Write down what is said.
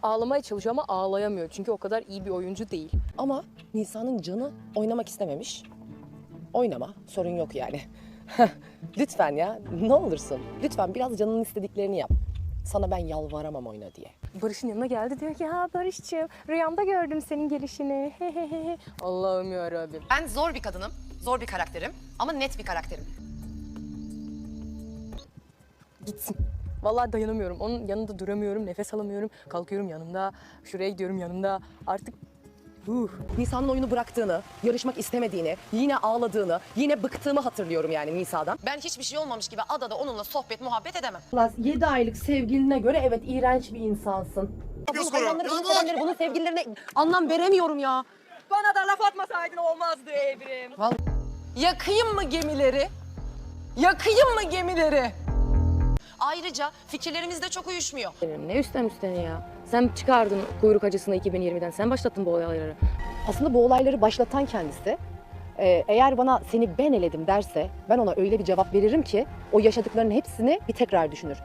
ağlamaya çalışıyor ama ağlayamıyor. Çünkü o kadar iyi bir oyuncu değil. Ama Nisa'nın canı oynamak istememiş. Oynama, sorun yok yani. Lütfen ya, ne olursun. Lütfen biraz canının istediklerini yap. Sana ben yalvaramam oyna diye. Barış'ın yanına geldi, diyor ki ha Barış'cığım rüyamda gördüm senin gelişini. Allah'ım yarabbim. Ben zor bir kadınım, zor bir karakterim ama net bir karakterim. Gitsin. Vallahi dayanamıyorum. Onun yanında duramıyorum, nefes alamıyorum. Kalkıyorum yanında, şuraya gidiyorum yanında. Artık Nisa'nın oyunu bıraktığını, yarışmak istemediğini, yine ağladığını, yine bıktığımı hatırlıyorum yani Nisa'dan. Ben hiçbir şey olmamış gibi adada onunla sohbet, muhabbet edemem. 7 aylık sevgiline göre evet iğrenç bir insansın. Bunun hayranları, bunun sevenleri, bunun sevgililerine anlam veremiyorum ya. bana da laf atmasaydın olmazdı Evrim. Yakayım mı gemileri? Yakayım mı gemileri? Ayrıca fikirlerimiz de çok uyuşmuyor. Ne üstten üstene ya? Sen çıkardın kuyruk acısını 2020'den. Sen başlattın bu olayları. Aslında bu olayları başlatan kendisi. Eğer bana seni ben eledim derse ben ona öyle bir cevap veririm ki o yaşadıklarının hepsini bir tekrar düşünür.